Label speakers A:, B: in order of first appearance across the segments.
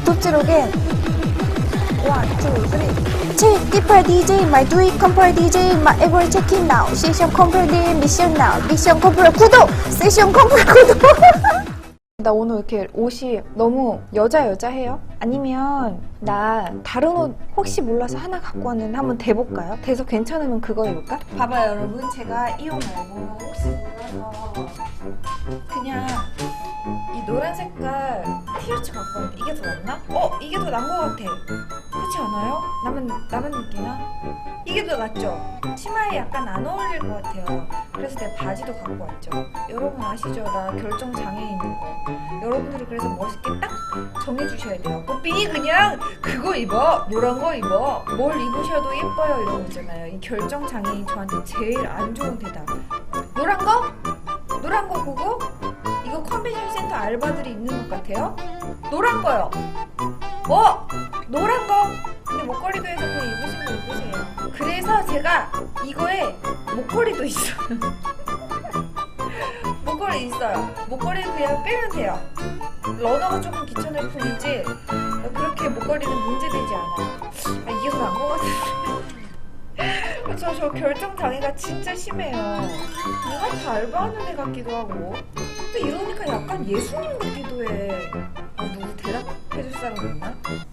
A: 톱지로겐 1, 2, 3 Check Deeper DJ, my do it compare DJ, my every check-in now 세션 컴플 미션 now 미션 컴플 구독! 세션 컴플 구독! 나 오늘 이렇게 옷이 너무 여자해요? 아니면 나 다른 옷 혹시 몰라서 하나 갖고 왔는데 한번 대볼까요? 대서 괜찮으면 그거 입을까? 봐봐요 여러분, 제가 이 옷 말고 혹시 몰라서 그냥 이 노란 색깔 티셔츠 갖고 왔는데 이게 더 낫나? 이게 더 나은 것 같아. 그렇지 않아요? 나만 느끼나? 이게 더 낫죠? 치마에 약간 안 어울릴 것 같아요. 그래서 내가 바지도 갖고 왔죠. 여러분 아시죠? 나 결정 장애인 있는 거. 여러분들이 그래서 멋있게 딱 정해주셔야 돼요. 뽀삐 그냥 그거 입어, 노란 거 입어, 뭘 입으셔도 예뻐요 이런 거 있잖아요. 이 결정 장애인 저한테 제일 안 좋은 대답. 노란 거? 노란 거 보고? 이거 컨벤션 센터 알바들이 입는 것 같아요? 노란 거요. 노란 거. 근데 목걸이도 해서 그냥 입으신 거 입으세요. 그래서 제가 이거에 목걸이도 있어요. 목걸이 있어요. 목걸이 그냥 빼면 돼요. 러너가 조금 귀찮을 뿐이지 그렇게 목걸이는 문제되지 않아요. 이게 더 나은 것 같은데. 저 결정 장애가 진짜 심해요. 누가 다 알바하는 애 같기도 하고 또 이러니까 약간 예수님 같기도 해. 누구 대답해줄 사람 있나?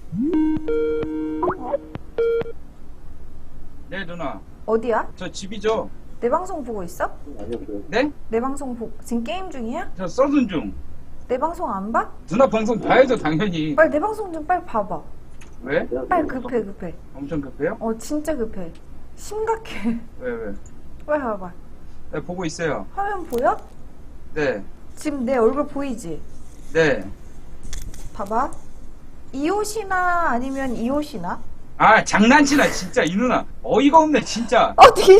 B: 네 누나.
A: 어디야?
B: 저 집이죠.
A: 내 방송 보고 있어?
B: 네?
A: 내 방송 지금 게임 중이야?
B: 저 써둔 중.
A: 내 방송 안 봐?
B: 누나 방송 봐야죠 당연히.
A: 빨리 내 방송 좀 빨리 봐봐.
B: 왜?
A: 빨리 급해.
B: 엄청 급해요?
A: 진짜 급해. 심각해.
B: 왜?
A: 빨리 봐봐.
B: 네 보고 있어요.
A: 화면 보여?
B: 네.
A: 지금 내 얼굴 보이지?
B: 네.
A: 봐봐. 이 옷이나 아니면 이 옷이나?
B: 아 장난치나 진짜 이 누나 어이가 없네 진짜.
A: 되게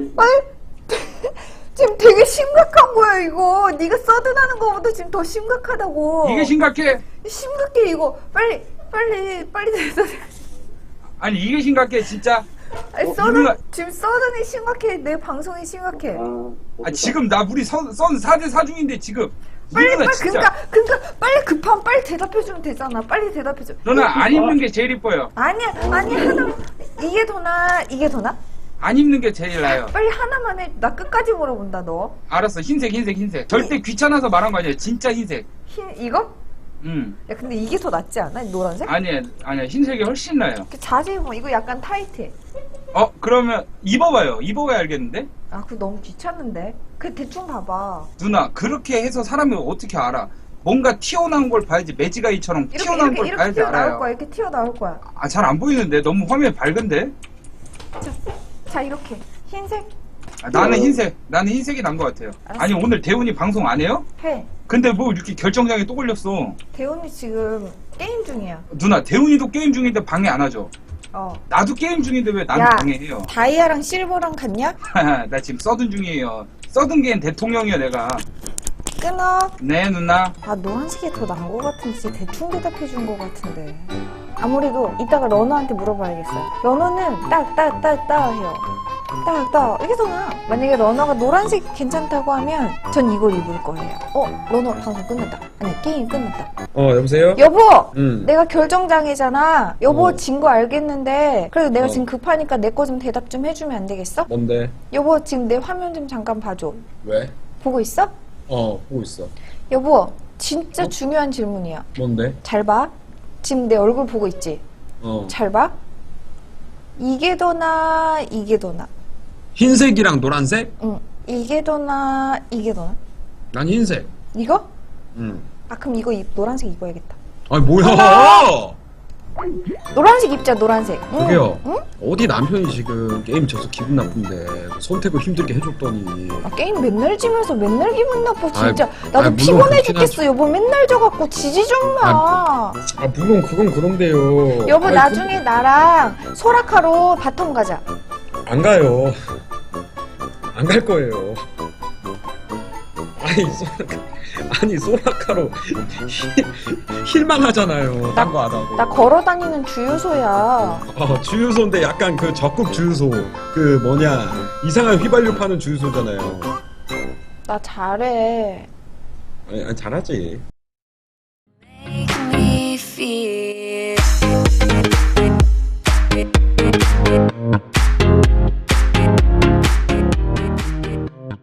A: 지금 되게 심각한 거야 이거. 네가 서든하는 거보다 지금 더 심각하다고.
B: 이게 심각해?
A: 심각해 이거. 빨리 대답해.
B: 아니 이게 심각해 진짜?
A: 아니, 지금 서든이 심각해. 내 방송이 심각해.
B: 아 지금 나 우리 선 4대 4 중인데 지금
A: 빨리
B: 진짜.
A: 그러니까 빨리 급하면 빨리 대답해주면 되잖아. 빨리 대답해줘.
B: 누나 안 입는 게 제일 이뻐요.
A: 아니야 하나. 이게 더 나?
B: 안 입는 게 제일 나아요.
A: 빨리 하나만 해. 나 끝까지 물어본다 너.
B: 알았어. 흰색. 절대 귀찮아서 말한 거 아니야. 진짜 흰색.
A: 이거?
B: 야
A: 근데 이게 더 낫지 않아? 노란색?
B: 아니야 흰색이 훨씬 나아요.
A: 자세히 보면 이거 약간 타이트해.
B: 그러면 입어봐요. 입어봐야 알겠는데?
A: 그거 너무 귀찮은데. 대충 봐봐.
B: 누나 그렇게 해서 사람이 어떻게 알아? 뭔가 튀어나온 걸 봐야지. 매지가이처럼 튀어나온 걸 봐야지 알아요.
A: 이렇게 튀어나올 거야.
B: 잘 안 보이는데 너무 화면이 밝은데?
A: 자 이렇게 흰색
B: 나는 흰색이 난 것 같아요.
A: 알았어.
B: 아니 오늘 대훈이 방송 안 해요?
A: 해.
B: 근데 뭐 이렇게 결정장애 또 걸렸어.
A: 대훈이 지금 게임 중이야.
B: 누나 대훈이도 게임 중인데 방해 안 하죠? 나도 게임 중인데 왜 나는
A: 야,
B: 방해해요?
A: 다이아랑 실버랑 같냐?
B: 나 지금 써둔 중이에요. 써둔 게 내통령이야 내가.
A: 끊어.
B: 네 누나.
A: 노란색이 더 나은 것 같은데 진짜 대충 대답해 준 것 같은데. 아무래도 이따가 러너한테 물어봐야겠어요. 러너는 딱 해요. 딱 이게 더 나아. 만약에 러너가 노란색 괜찮다고 하면 전 이걸 입을 거예요. 러너 방송 끝났다. 아니 게임 끝났다.
C: 여보세요?
A: 여보!
C: 응.
A: 내가 결정장애잖아. 여보 진 거 알겠는데 그래도 내가 지금 급하니까 내 거 좀 대답 좀 해주면 안 되겠어?
C: 뭔데?
A: 여보 지금 내 화면 좀 잠깐 봐줘.
C: 왜?
A: 보고 있어?
C: 보고 있어.
A: 여보 진짜 중요한 질문이야.
C: 뭔데?
A: 잘 봐. 지금 내 얼굴 보고 있지? 잘 봐. 이게 더 나아? 이게 더 나아?
C: 흰색이랑 노란색?
A: 응. 이게 더 나아? 이게 더 나아?
C: 난 흰색.
A: 이거?
C: 응.
A: 그럼 이거 노란색 입어야겠다.
C: 아니 뭐야?
A: 노란색 입자. 노란색.
C: 저기요.
A: 응?
C: 어디 남편이 지금 게임 져서 기분 나쁜데 선택을 힘들게 해줬더니.
A: 게임 맨날 지면서 맨날 기분 나빠 진짜. 나도
C: 물론
A: 피곤해
C: 그렇긴
A: 죽겠어. 여보 맨날 져갖고 지지 좀 마.
C: 물론 그건 그런데요.
A: 여보 나중에 나랑 소라카로 바텀 가자.
C: 안 가요. 안 갈 거예요. 아니 소라카로 실망하잖아요. 딴 거 안 하고.
A: 나 걸어다니는 주유소야.
C: 주유소인데 약간 그 적국 주유소. 그 뭐냐 이상한 휘발유 파는 주유소잖아요.
A: 나 잘해.
C: 아니 잘하지.
D: Make me feel